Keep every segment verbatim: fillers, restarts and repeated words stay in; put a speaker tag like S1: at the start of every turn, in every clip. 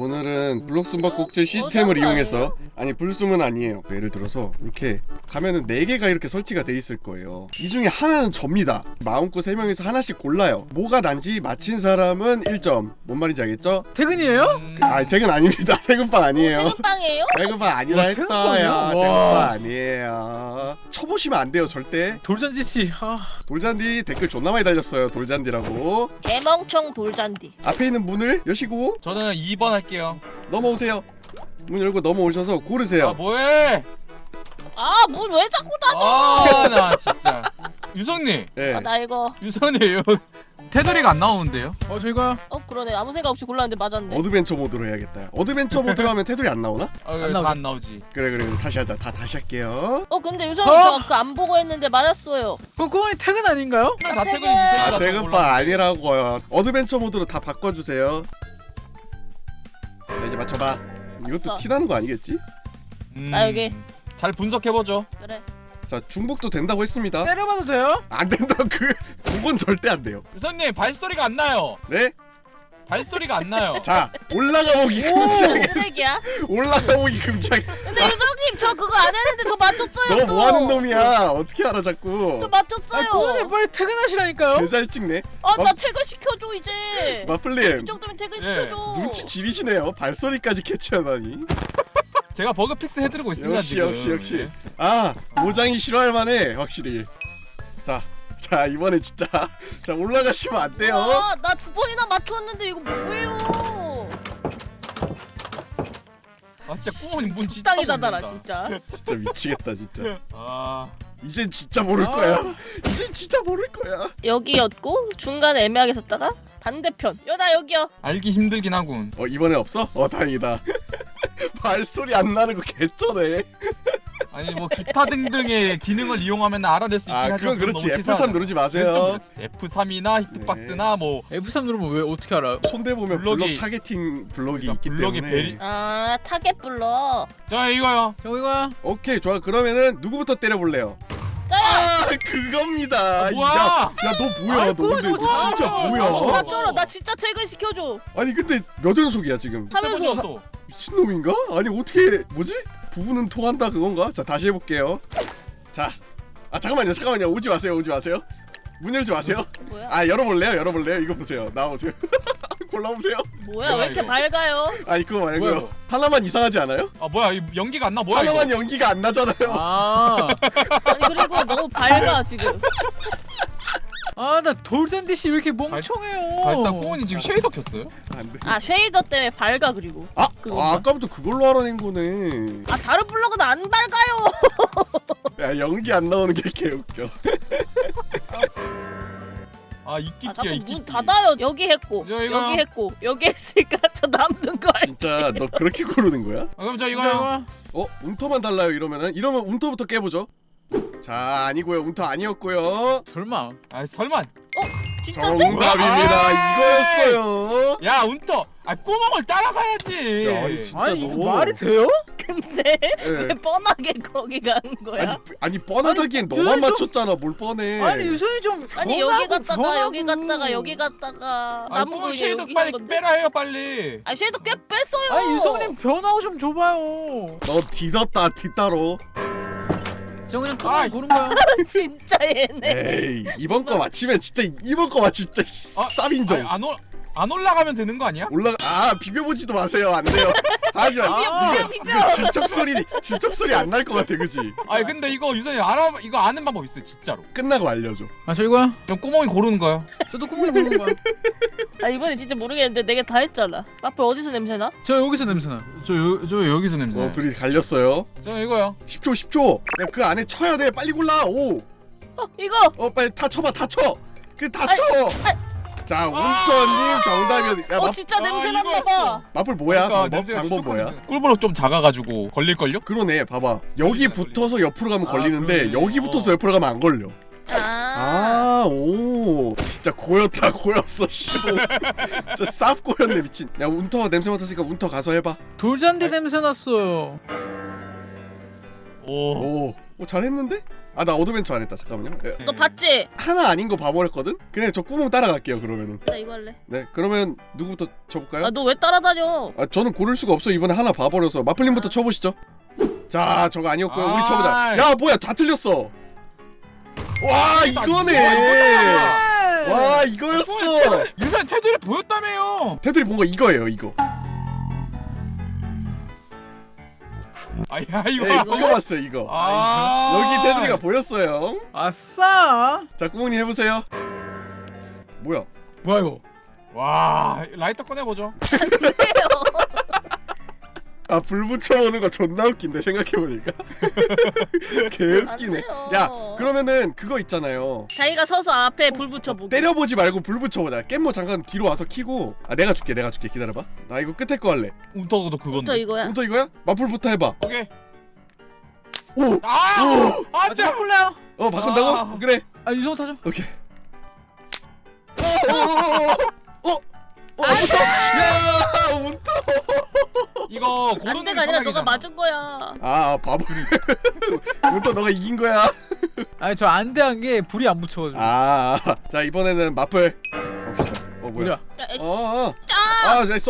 S1: 오늘은 블록 숨바꼭질 시스템을 이용해서, 아니 불숨은 아니에요. 예를 들어서 이렇게 가면은 네 개가 이렇게 설치가 돼 있을 거예요. 이 중에 하나는 접니다. 마음껏 세 명에서 하나씩 골라요. 뭐가 난지 맞힌 사람은 일 점. 뭔 말인지 알겠죠?
S2: 퇴근이에요?
S3: 음...
S1: 아 퇴근 아닙니다. 퇴근빵 아니에요.
S4: 퇴근빵이에요?
S1: 퇴근빵 아니라
S2: 와,
S1: 했어요.
S2: 퇴근빵이요?
S1: 퇴근빵 아니에요. 쳐보시면 안 돼요 절대.
S2: 돌잔지씨. 아...
S1: 돌잔디 댓글 존나 많이 달렸어요. 돌잔디라고.
S4: 개멍청 돌잔디.
S1: 앞에 있는 문을 여시고
S3: 저는 이 번 할게요.
S1: 넘어오세요. 문 열고 넘어오셔서 고르세요.
S3: 아 뭐해?
S4: 아, 문 왜 자꾸 닫아?
S3: 아 나 진짜. 유성님.
S1: 네.
S4: 아, 나 이거.
S3: 유성님 이거 테두리가 안 나오는데요?
S2: 어 저희가
S4: 어, 그러네. 아무 생각 없이 골랐는데 맞았네.
S1: 어드벤처 모드로 해야겠다. 어드벤처 모드로 하면 테두리 안 나오나?
S3: 아,
S2: 안
S3: 안,
S2: 나오지.
S3: 안 나오지.
S1: 그래 그래 다시 하자. 다 다시 할게요.
S4: 어, 근데 유성님
S2: 어?
S4: 저 그 안 보고 했는데 맞았어요.
S2: 그럼 꼬원이 퇴근 아닌가요?
S3: 다
S4: 퇴근!
S3: 퇴근이지.
S1: 아 퇴근빵 아니라고요. 어드벤처 모드로 다 바꿔주세요. 자, 이제 맞춰봐. 이것도
S4: 아싸.
S1: 티나는 거 아니겠지?
S3: 음,
S4: 나 여기.
S3: 잘 분석해보죠.
S4: 그래.
S1: 자 중복도 된다고 했습니다.
S2: 때려봐도 돼요?
S1: 안 된다. 그 그건 절대 안 돼요.
S3: 유성님 발소리가 안 나요.
S1: 네?
S3: 발소리가 안 나요.
S1: 자 올라가 보기
S4: 오,
S1: 금지하게.
S4: 쓰레기야.
S1: 올라가 보기 금지하게.
S4: 근데 유성님 저 그거 안 했는데 저 맞췄어요.
S1: 너
S4: 또.
S1: 뭐하는 놈이야? 어떻게 알아 자꾸?
S4: 저
S2: 아
S4: 맞췄어요.
S2: 꼬원이 빨리 퇴근하시라니까요?
S1: 개잘 찍네.
S4: 아, 나
S1: 마-
S4: 퇴근 시켜줘 이제.
S1: 마플님
S4: 이 정도면 퇴근
S3: 예.
S4: 시켜줘.
S1: 눈치 지리시네요. 발소리까지 캐치하다니.
S3: 제가 버그 픽스 해드리고 있습니다.
S1: 역시
S3: 지금.
S1: 역시 역시. 아 모장이 싫어할 만해 확실히. 자. 자 이번에 진짜 자 올라가시면 안 돼요.
S4: 와, 나 두 번이나 맞췄는데 이거 뭐예요?
S3: 아 진짜 꾸머니 문 진짜
S4: 식당이 닫아라
S3: 닫는다.
S4: 진짜.
S1: 진짜 미치겠다 진짜.
S3: 아
S1: 이젠 진짜 모를
S2: 아.
S1: 거야. 이젠 진짜 모를 거야.
S4: 여기였고 중간에 애매하게 섰다가 반대편. 여 나 여기요.
S3: 알기 힘들긴 하군.
S1: 어 이번에 없어? 어 다행이다. 발소리 안 나는 거 개쩌네.
S3: 아니 뭐 기타 등등의 기능을 이용하면 알아낼 수 있긴
S1: 아
S3: 하죠.
S1: 그건 그렇지.
S3: 너무
S1: 에프 삼
S3: 치사하죠.
S1: 누르지
S3: 그건 좀
S1: 마세요.
S3: 그렇지. 에프 삼이나 히트박스나 뭐
S2: 에프 삼 누르면 왜 어떻게 알아요?
S1: 손대 보면
S3: 블럭이-
S1: 블럭 타겟팅 블럭이
S3: 그러니까
S1: 있기
S3: 블럭이
S1: 때문에.
S3: 베리-
S4: 아, 타겟 불러.
S3: 자 이거요.
S2: 저희가
S1: 오케이 좋아. 그러면은 누구부터 때려볼래요?
S4: 짜야.
S1: 아 그겁니다.
S3: 아, 뭐야?
S1: 야너 뭐야?
S2: 아이,
S1: 너 근데
S2: 그거
S1: 너 진짜
S3: 아,
S1: 뭐야?
S3: 아,
S4: 나 쩔어. 나 진짜 퇴근 시켜줘.
S1: 아니 근데 몇 연속이야 지금?
S3: 세
S4: 하면서
S3: 번이었어.
S1: 미친놈인가? 아니 어떻게 뭐지? 부부는 통한다 그건가? 자 다시 해볼게요. 자, 아 잠깐만요 잠깐만요 오지 마세요 오지 마세요. 문 열지 마세요.
S4: 뭐야?
S1: 아 열어볼래요 열어볼래요. 이거 보세요 나와보세요. 골라보세요.
S4: 뭐야? 왜 이렇게
S3: 이거?
S4: 밝아요?
S1: 아니 그거
S3: 뭐야,
S1: 말고요.
S3: 이거?
S1: 하나만 이상하지 않아요?
S3: 아 뭐야 이 연기가 안 나. 뭐야
S1: 하나만
S3: 이거?
S1: 연기가 안 나잖아요.
S2: 아,
S4: 아니 그리고 너무 밝아 지금.
S2: 아 나 돌잔디씨 왜 이렇게
S3: 아,
S2: 멍청해요?
S3: 일단 꾸머니 지금 쉐이더 켰어요?
S1: 안 돼.
S4: 아 쉐이더 때문에 밝아 그리고.
S1: 아,
S4: 그건가?
S1: 아 아까부터 그걸로 알아낸 거네.
S4: 아 다른 블럭은 안 밝아요.
S1: 야 연기 안 나오는 게 개웃겨.
S3: 아
S4: 아
S3: 이끼끼야
S4: 자꾸
S3: 이끼끼.
S4: 문 닫아요. 여기 했고
S3: 저 이거-
S4: 여기 했고 여기 했으니까 저 남는 거 알지?
S1: 진짜 너 그렇게 고르는 거야?
S3: 아, 그럼 저 이거요.
S2: 저희가
S1: 어? 운터만 달라요 이러면은? 이러면 운터부터 깨보죠. 자 아니고요 운터 아니었고요.
S2: 설마
S3: 아 설마.
S4: 진짜인데?
S1: 정답입니다.
S3: 아,
S1: 이거였어요.
S3: 야 운터. 아 꾸멍을 따라가야지.
S1: 야, 아니, 진짜
S2: 아니
S1: 너.
S2: 이거 말이 돼요?
S4: 근데
S1: 예.
S4: 왜 뻔하게 거기 가는 거야?
S1: 아니, 아니 뻔하다기엔
S2: 아니,
S1: 너만
S2: 좀-
S1: 맞췄잖아. 뭘 뻔해.
S2: 아니 유선이 좀
S4: 아니
S2: 변하고,
S4: 여기 갔다가
S2: 변하고.
S4: 여기 갔다가 여기 갔다가
S3: 아
S4: 남은
S3: 꾸멍
S4: 거
S3: 쉐이더
S4: 여기
S3: 빨리
S4: 한 건데.
S3: 빼라 해요 빨리.
S4: 아 쉐이더 꽤 뺐어요.
S2: 아니 유성님 변하고 좀 줘봐요.
S1: 너 뒤졌다 뒤따로.
S2: 저 그냥
S3: 아이.
S2: 꼬원 고른 거야.
S4: 진짜 얘네.
S1: 에이 이번 거 맞히면 진짜 이번 거 맞히면 진짜
S3: 아,
S1: 쌉인정.
S3: 아니, 안, 올, 안 올라가면 되는 거 아니야?
S1: 올라가 아 비벼보지도 마세요. 안 돼요. 하지마.
S2: 아,
S1: 이거 이거 질척 소리 질척 소리 안 날 것 같아 그지?
S3: 아니 근데 이거 유선이 알아 이거 아는 방법 있어요 진짜로.
S1: 끝나고 알려줘.
S2: 아 저희가
S3: 그럼 꾸멍이 고르는 거요.
S2: 저도 꼬원이 고른 거야.
S4: 아 이번에 진짜 모르겠는데 내가 다 했잖아. 마플 어디서 냄새나?
S2: 저 여기서 냄새나.
S3: 저, 여, 저 여기서 냄새.
S1: 어 둘이 갈렸어요.
S3: 저 이거요.
S1: 십 초 십 초. 야, 그 안에 쳐야 돼. 빨리 골라. 오.
S4: 어 이거.
S1: 어 빨리 다 쳐봐 다 쳐. 그 다
S4: 아이,
S1: 쳐. 자 운터님 정답이었. 야
S4: 어
S1: 마,
S4: 진짜
S3: 아,
S4: 냄새
S3: 이거였어.
S4: 났나 봐.
S1: 마플 뭐야?
S3: 그러니까
S1: 방법
S3: 냄새가
S1: 방법 뭐야?
S3: 시독하니까. 꿀버럭 좀 작아가지고 걸릴걸요?
S1: 그러네 봐봐 여기
S3: 걸리네,
S1: 붙어서 옆으로 가면
S3: 아,
S1: 걸리는데
S3: 그러네.
S1: 여기 붙어서
S3: 어.
S1: 옆으로 가면 안 걸려.
S4: 아.
S1: 아오 진짜 고였다 고였어 씨발. 진짜 쌉 고였네 미친. 야 운터 냄새 맡았으니까 운터 가서 해봐.
S2: 돌잔디
S3: 아이.
S2: 냄새 났어요.
S3: 오.
S1: 오, 오 잘했는데? 아 나 어드벤처 안 했다. 잠깐만요. 에,
S4: 너 봤지?
S1: 하나 아닌 거 봐버렸거든? 그냥 저 구멍 따라갈게요 그러면은.
S4: 나 이거 할래.
S1: 네 그러면 누구부터 쳐볼까요?
S4: 아 너 왜 따라다녀?
S1: 아 저는 고를 수가 없어. 이번에 하나 봐버려서. 마플님부터 쳐보시죠. 자 저거 아니었고요. 우리
S3: 아.
S1: 쳐보자. 야 뭐야 다 틀렸어. 와 이거네. 와 이거였어.
S3: 유세 테두리 보였다며요.
S1: 테두리 뭔가 이거예요 이거.
S3: 아야
S1: 네,
S3: 이거.
S1: 이거 봤어요 이거.
S3: 아
S1: 여기 테두리가 보였어요.
S2: 아싸.
S1: 자 구멍님 해보세요. 뭐야?
S2: 뭐야 이거?
S3: 와 라이터 꺼내보죠.
S1: 아 불 붙여오는 거 존나 웃긴데 생각해보니까. 개웃기네.
S4: 안 돼요.
S1: 야 그러면은 그거 있잖아요.
S4: 자기가 서서 앞에 불 붙여보고.
S1: 때려보지 말고 불 붙여보자. 깻모 잠깐 뒤로 와서 키고. 아 내가 줄게 내가 줄게 기다려봐. 나 이거 끝에 거 할래.
S3: 운터도
S4: 저
S3: 그건데.
S4: 이거야.
S1: 운터 이거야? 마플부터 해봐.
S3: 오케이.
S1: 오!
S3: 아!
S1: 오!
S2: 아,
S3: 안돼.
S2: 저 바꿀래요?
S1: 어 바꾼다고?
S3: 아.
S1: 그래.
S2: 아 유성호 타죠.
S1: 오케이. 어! 어! 어! 어! 어! 운터! 야! 운터!
S3: 이거 고르는
S4: 안돼가 아니라 너가 맞은 거야.
S1: 아 바보. 운터 너가 이긴 거야.
S2: 아니 저 안대한 게 불이 안 붙여가지고.
S1: 아, 자 이번에는 마플 갑시다. 어 뭐야?
S2: 뭐야?
S4: 야, 에이씨.
S1: 어, 어.
S4: 짜.
S1: 아, 잘 써.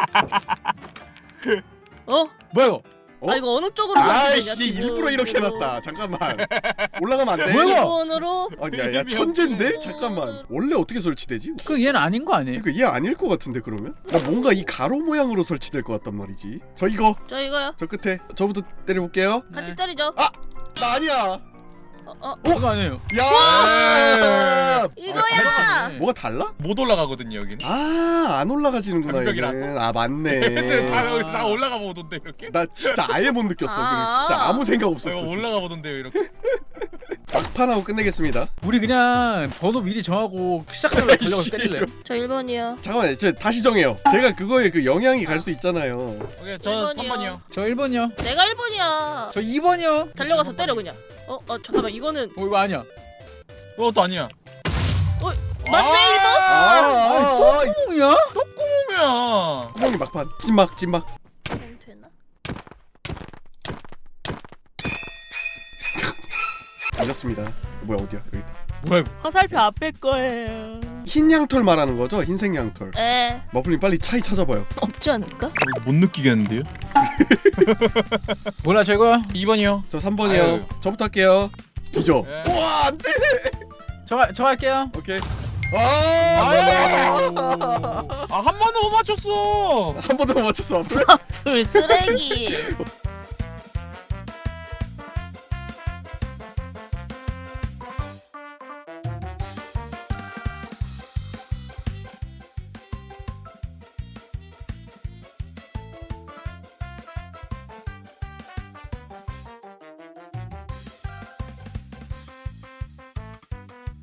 S4: 어?
S2: 뭐야 이거?
S1: 어?
S4: 아 이거 어느 쪽으로 설치되냐,
S1: 아이씨 일부러 이렇게 해놨다. 잠깐만. 올라가면 안 돼.
S2: 뭐야, 이거?
S4: 기본으로.
S1: 아, 야, 야 천재인데? 잠깐만. 원래 어떻게 설치되지?
S2: 그 얘는 아닌 거 아니에요?
S1: 그러니까 얘 아닐 것 같은데 그러면? 나 뭔가 이 가로 모양으로 설치될 것 같단 말이지. 저 이거
S4: 저 이거요.
S1: 저 끝에 저부터 때려볼게요.
S4: 같이
S2: 네.
S4: 때리죠.
S1: 나 아니야.
S4: 어, 어.
S2: 그거 아니에요.
S1: 야!
S4: 이거야.
S2: 네.
S1: 뭐가 달라?
S3: 못 올라가거든요 여기는.
S1: 아, 안 올라가지는구나
S3: 장벽이라서.
S1: 얘는. 아,
S3: 다,
S1: 맞네.
S3: 다 올라가 보던데 이렇게.
S1: 나 진짜 아예 못 느꼈어. 그래.
S4: 아.
S1: 진짜 아무 생각
S3: 어,
S1: 없었어.
S3: 이거
S1: 진짜.
S3: 올라가 보던데요 이렇게.
S1: 막판하고 끝내겠습니다.
S2: 우리 그냥 번호 미리 정하고 시작하면 달려가서
S1: 씨.
S2: 때릴래요?
S4: 저 일 번이요.
S1: 잠깐만, 저 다시 정해요. 제가 그거에 그 영향이 갈 수 있잖아요.
S3: 오케이 저
S4: 일
S3: 삼
S4: 번이요.
S3: 번이요.
S2: 저 일 번이요.
S4: 내가 일 번이야.
S2: 저 이 번이요.
S4: 달려가서 때려 그냥. 어, 어 잠깐만 이거는
S2: 어 이거 아니야.
S3: 그것도 아니야.
S4: 맞네 일 번.
S1: 아, 아, 아,
S2: 똥이야?
S3: 뭐야?
S1: 구멍이 막판. 찐막, 찐막.
S4: 그럼 되나?
S1: 걸렸습니다. 뭐야 어디야? 여기 있다.
S2: 뭐야 이거?
S4: 화살표 앞에 거예요.
S1: 흰 양털 말하는 거죠? 흰색 양털.
S4: 에
S1: 머플님 빨리 차이 찾아봐요.
S4: 없지 않을까?
S3: 못 느끼겠는데요?
S2: 몰라 저 이거요.
S3: 이 번이요.
S1: 저 삼 번이요.
S3: 아유.
S1: 저부터 할게요. 뒤져.
S3: 네.
S1: 우와 안돼.
S2: 저, 저 할게요.
S1: 오케이. 아,
S3: 아한 번도 못 맞췄어.
S1: 한 번도 못 맞췄어. 앞으로.
S4: 불 쓰레기.